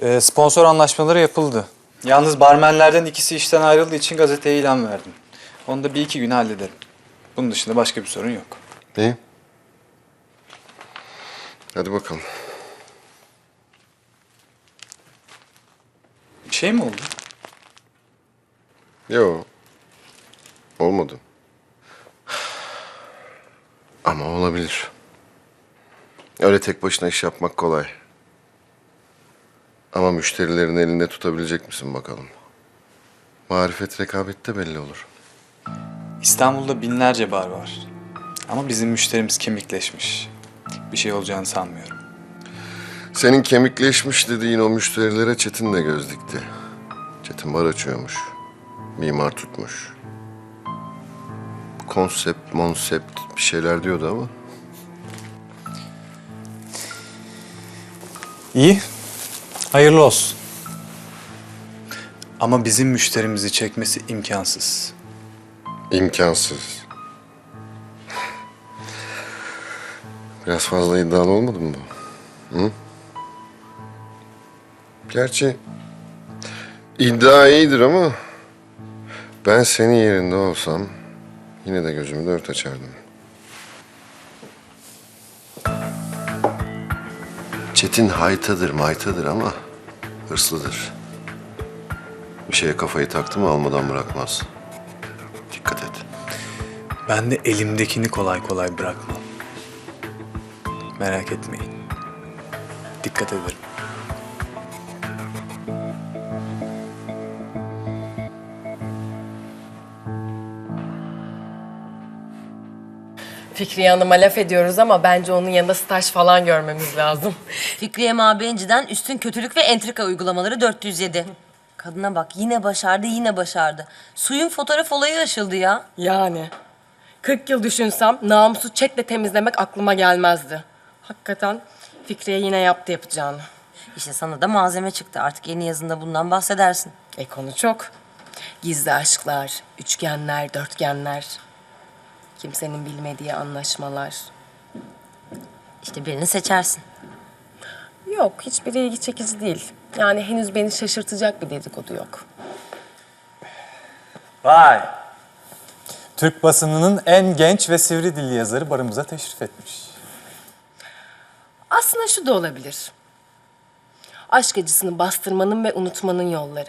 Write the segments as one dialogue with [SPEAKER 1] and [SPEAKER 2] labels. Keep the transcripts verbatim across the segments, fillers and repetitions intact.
[SPEAKER 1] Ee, sponsor anlaşmaları yapıldı. Yalnız barmenlerden ikisi işten ayrıldığı için gazeteye ilan verdim. Onu da bir iki güne hallederim. Bunun dışında başka bir sorun yok.
[SPEAKER 2] İyi. Hadi bakalım.
[SPEAKER 1] Bir şey mi oldu?
[SPEAKER 2] Yok. Olmadı. Ama olabilir. Öyle tek başına iş yapmak kolay. Ama müşterilerin elinde tutabilecek misin bakalım? Marifet rekabette belli olur.
[SPEAKER 1] İstanbul'da binlerce bar var. Ama bizim müşterimiz kemikleşmiş. Bir şey olacağını sanmıyorum.
[SPEAKER 2] Senin kemikleşmiş dediğin o müşterilere Çetin de göz dikti. Çetin bar açıyormuş. Mimar tutmuş. Konsept, monsept bir şeyler diyordu ama.
[SPEAKER 1] İyi. Hayırlı olsun. Ama bizim müşterimizi çekmesi imkansız.
[SPEAKER 2] İmkansız. Biraz fazla iddialı olmadı mı bu? Hı? Gerçi iddia iyidir ama ben senin yerinde olsam yine de gözümü dört açardım. Çetin haytadır maytadır ama hırslıdır. Bir şeye kafayı taktı mı almadan bırakmaz. Dikkat et.
[SPEAKER 1] Ben de elimdekini kolay kolay bırakmam. Merak etmeyin. Dikkat ederim.
[SPEAKER 3] Fikriye Hanım'a laf ediyoruz ama bence onun yanında staj falan görmemiz lazım.
[SPEAKER 4] Fikriye Mabenci'den üstün kötülük ve entrika uygulamaları dört yüz yedi. Kadına bak yine başardı yine başardı. Suyun fotoğraf olayı aşıldı ya.
[SPEAKER 3] Yani. kırk yıl düşünsem namusu çetle temizlemek aklıma gelmezdi. Hakikaten Fikriye yine yaptı yapacağını.
[SPEAKER 4] İşte sana da malzeme çıktı. Artık yeni yazında bundan bahsedersin.
[SPEAKER 3] E konu çok. Gizli aşklar, üçgenler, dörtgenler. Kimsenin bilmediği anlaşmalar.
[SPEAKER 4] İşte birini seçersin.
[SPEAKER 3] Yok, hiçbiri ilgi çekici değil. Yani henüz beni şaşırtacak bir dedikodu yok.
[SPEAKER 1] Vay! Türk basınının en genç ve sivri dilli yazarı barımıza teşrif etmiş.
[SPEAKER 3] Aslında şu da olabilir. Aşk acısını bastırmanın ve unutmanın yolları.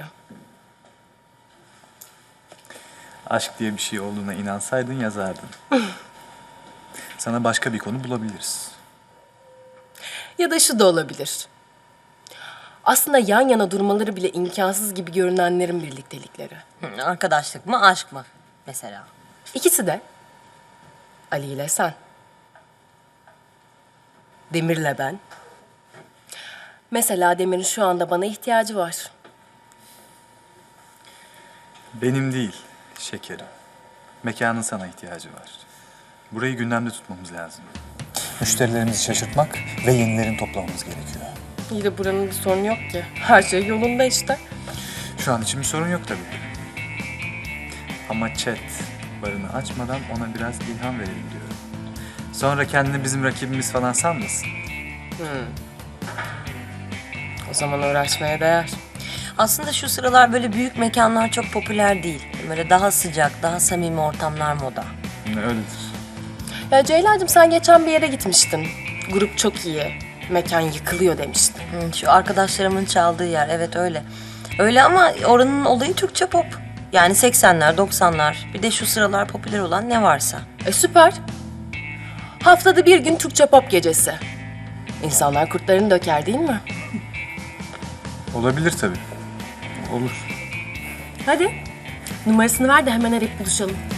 [SPEAKER 1] Aşk diye bir şey olduğuna inansaydın yazardın. Sana başka bir konu bulabiliriz.
[SPEAKER 3] Ya da şu da olabilir. Aslında yan yana durmaları bile imkansız gibi görünenlerin birliktelikleri.
[SPEAKER 4] Hı, arkadaşlık mı aşk mı mesela?
[SPEAKER 3] İkisi de. Ali ile sen. Demir'le ben. Mesela Demir'in şu anda bana ihtiyacı var.
[SPEAKER 1] Benim değil, şekerim. Mekanın sana ihtiyacı var. Burayı gündemde tutmamız lazım. Müşterilerimizi şaşırtmak ve yenilerini toplamamız gerekiyor.
[SPEAKER 3] İyi de buranın bir sorunu yok ki. Her şey yolunda işte.
[SPEAKER 1] Şu an için bir sorun yok tabii. Ama chat barını açmadan ona biraz ilham verelim diyorum. Sonra kendini bizim rakibimiz falan sanmasın.
[SPEAKER 3] O zaman uğraşmaya değer.
[SPEAKER 4] Aslında şu sıralar böyle büyük mekanlar çok popüler değil. Böyle daha sıcak, daha samimi ortamlar moda.
[SPEAKER 1] Öyledir.
[SPEAKER 3] Ya Ceylancığım sen geçen bir yere gitmiştin. Grup çok iyi. Mekan yıkılıyor demiştin.
[SPEAKER 4] Hı, şu arkadaşlarımın çaldığı yer, evet öyle. Öyle ama oranın olayı Türkçe pop. Yani seksenler, doksanlar. Bir de şu sıralar popüler olan ne varsa.
[SPEAKER 3] E süper. Haftada bir gün Türkçe pop gecesi. İnsanlar kurtlarını döker değil mi?
[SPEAKER 1] Olabilir tabii. Olur.
[SPEAKER 3] Hadi. Numarasını ver de hemen arayıp buluşalım.